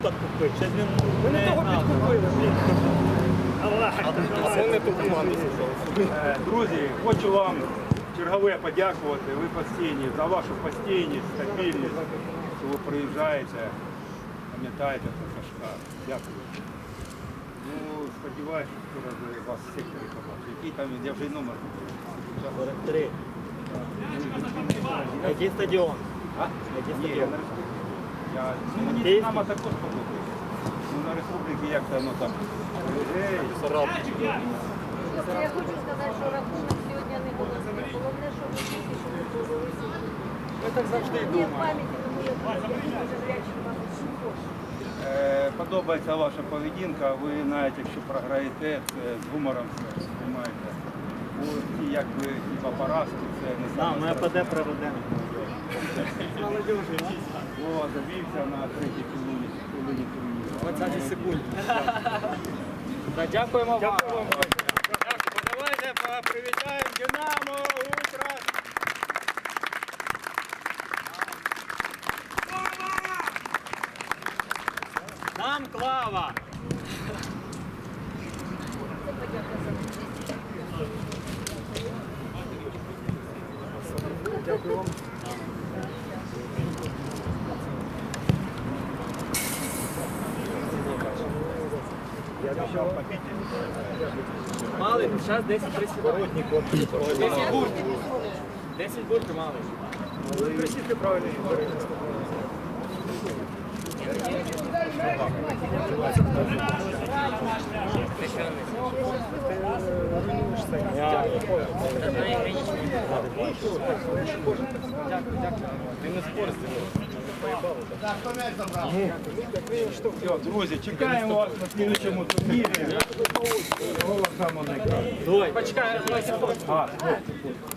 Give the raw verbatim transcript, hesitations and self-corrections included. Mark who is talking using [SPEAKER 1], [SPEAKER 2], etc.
[SPEAKER 1] купити. Щось він
[SPEAKER 2] Ви не того підкупили, блін.
[SPEAKER 1] А це не ту команду.
[SPEAKER 3] Друзі, хочу вам чергове подякувати. Ви постійні, за вашу постійність, стабільність, що ви приїжджаєте, пам'ятаєте про Сашка. Дякую. Ну, сподіваюся, що скоро вас в секторі побачу. Який там він, я вже й номер.
[SPEAKER 1] сорок три. Який стадіон?
[SPEAKER 3] А?
[SPEAKER 1] Який
[SPEAKER 3] Ні, я
[SPEAKER 1] стадіон?
[SPEAKER 3] на республіці. Я, ну, мені
[SPEAKER 1] Київський?
[SPEAKER 3] Динамо також подобається. Ну, на республіки як це воно там. Ей,
[SPEAKER 4] Я хочу сказати, що рахунок сьогодні не було. Головне, що ви тільки що не повелися.
[SPEAKER 2] Ми так завжди
[SPEAKER 4] Ні, в
[SPEAKER 2] думаємо.
[SPEAKER 4] пам'яті, тому я дуже зрячий вам усім.
[SPEAKER 3] Е, Подобається ваша поведінка, ви навіть якщо програєте, це з гумором все знімаєте. Бо ті, якби хіба поразки, це не
[SPEAKER 1] А,
[SPEAKER 3] саме
[SPEAKER 1] ми
[SPEAKER 3] страшне.
[SPEAKER 1] АПД проведемо.
[SPEAKER 2] Молодежі.
[SPEAKER 3] Вова завівся на третій хвилині хвилині турніру.
[SPEAKER 2] двадцять секунд.
[SPEAKER 1] Та дякуємо вам.
[SPEAKER 2] Дякую вам.
[SPEAKER 3] Давайте привітаємо Динамо, Утро!
[SPEAKER 1] Нам Клава!
[SPEAKER 4] Це подяка за участь.
[SPEAKER 2] Дякую вам.
[SPEAKER 3] Я обіцяв побити.
[SPEAKER 2] Мали, зараз десять тридцять. десять буртів. десять буртів мали. Ви красивки правильно говорили.
[SPEAKER 1] Ти не спорт
[SPEAKER 3] Все, друзі, чекаємо вас на слідчому турнірі. Голос самого найкращого.
[SPEAKER 2] Почекай,
[SPEAKER 3] А,